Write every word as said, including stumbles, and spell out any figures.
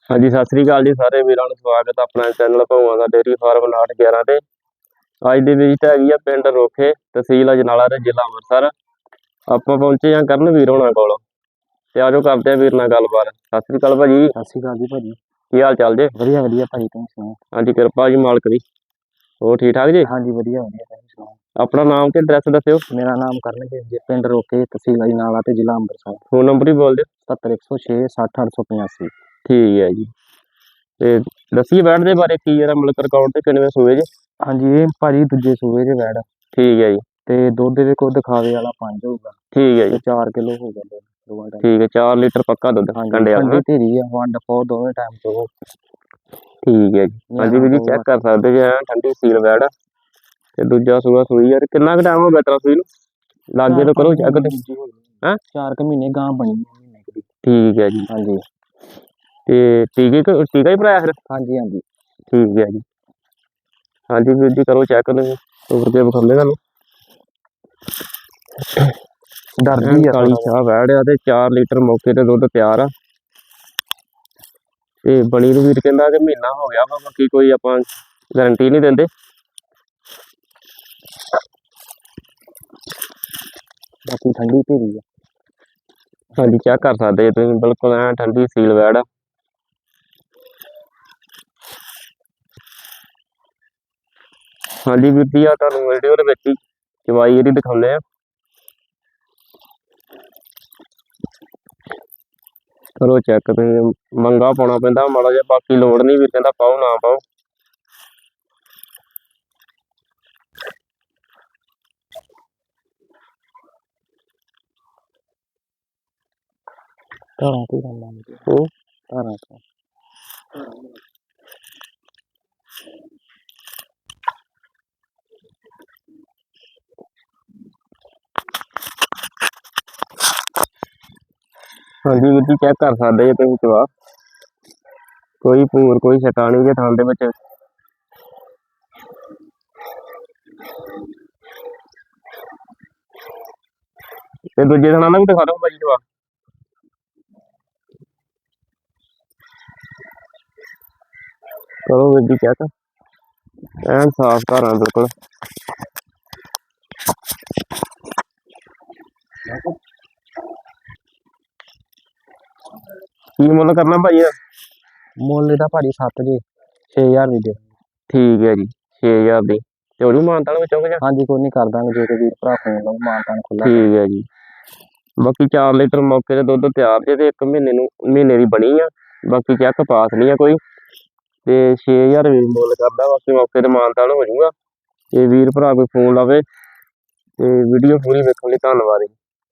हाँ जी, सत श्री अकाल जी सारे वीरां नूं स्वागत अपना चैनल भौआं दा डेयरी फार्म उनाहठ ग्यारह ते अज दी विजिट हैगी आ पिंड रोखे तहसील अजनाला ते जिला अंमृतसर। आपां पहुंचे हां करन वीर होणां कोल ते आजो करदे आ वीर नाल गलबात। सत श्री अकाल भाजी। सत श्री अकाल जी भाजी। की हाल चाल जे? वधिया वधिया भाजी, तुसीं सुणाओ? हाँ जी, कृपा जी मालक दी। होर ठीक ठाक जी? हाँ जी वधिया वधिया, तुसीं सुणाओ? अपना नाम ते एड्रैस दस्सिओ। मेरा नाम करनदेव जी, पिंड रोके तहसील अजनाला ते जिला अंमृतसर। फोन नंबर ही बोल दिओ। सत्तर एक सौ छे सठ अठ सौ पचासी। ठीक है जी। ते दस्सिए बैठ दे बारे की जरा मतलब रिकॉर्ड ते किनवे सूए जे? हाँ जी, ये भाजी दूजे सूए जे बैठ। ठीक है जी। ते दुध दे को दिखावे वाला पांच होगा। ठीक है जी। चार किलो हो गया दोवां टाइम। ठीक है, चार लीटर पक्का दुध कंडे वाला। ठंडी धीरी है, वंड पाओ दोवें टाइम तो। ठीक है जी। हाँ जी वीर जी, चेक कर सकते जी, ठंडी सील बैठ ते दूजा सूआ सूई यार। कितना टाइम हो गया तेरा सूई नूं? लागे तो करो चेक ते। हैं चार क महीने गां बनी महीने की। ठीक है जी। हाँ जी। ते टीके टीका ही भराया फिर? हाँ जी हाँ जी। ठीक है जी। हाँ जी वीर जी, करो चेक तोड़ के विखाने तुहानूं। डरदी है काली शाह बैठ आ ते चार लीटर मौके ते दुध तैयार आ ते बनी नूं वीर कहंदा कि महीना हो गया वा, बाकी कोई आपां गारंटी नहीं देंदे। बाकी ठंडी धीरी है। हाँ जी, चेक कर सकते तुसीं, बिल्कुल ऐ ठंडी सील बैठ आ। हाँ जी वीर जी, आ तुहानूं वीडियो दे विच ही चवाई इहदी दिखाउने आ। करो चेक तुसीं, मंगा पाउणा पैंदा माड़ा जिहा, बाकी लोड़ नहीं वीर कहंदा पाओ ना पाओ। धारां तो करना हूं धारां तो। हाँ जी वीर जी, चेक कर सकते जी तुसीं चवा, कोई भूर कोई छटा नहीं जे थन दे विच। ते दूजे थणा दा भी दिखा दो भाजी चवा। करो वीर जी चेक, ऐन साफ धारां बिल्कुल। की मुल करना भाई? मुल इहदा भाजी सत्त जी, छे हज़ार दी दे। ठीक है जी, छे हज़ार दी ते होरी मानतान विचों कि? हाँ जी, कोई नहीं कर दांगे जे कोई वीर भरा फोन लाओ, मानतान खुला। ठीक है जी। बाकी चार लीटर मौके ते दुध तैयार जे ते एक महीने नूं महीने दी बनी आ। बाकी चेक पास नहीं है कोई ते छे हज़ार वीर मुल करदा, बाकी मौके ते मानतान हो जाऊगा। ते वीर भरा कोई फोन लावे ते वीडियो पूरी वेखण लई धन्नवाद जी।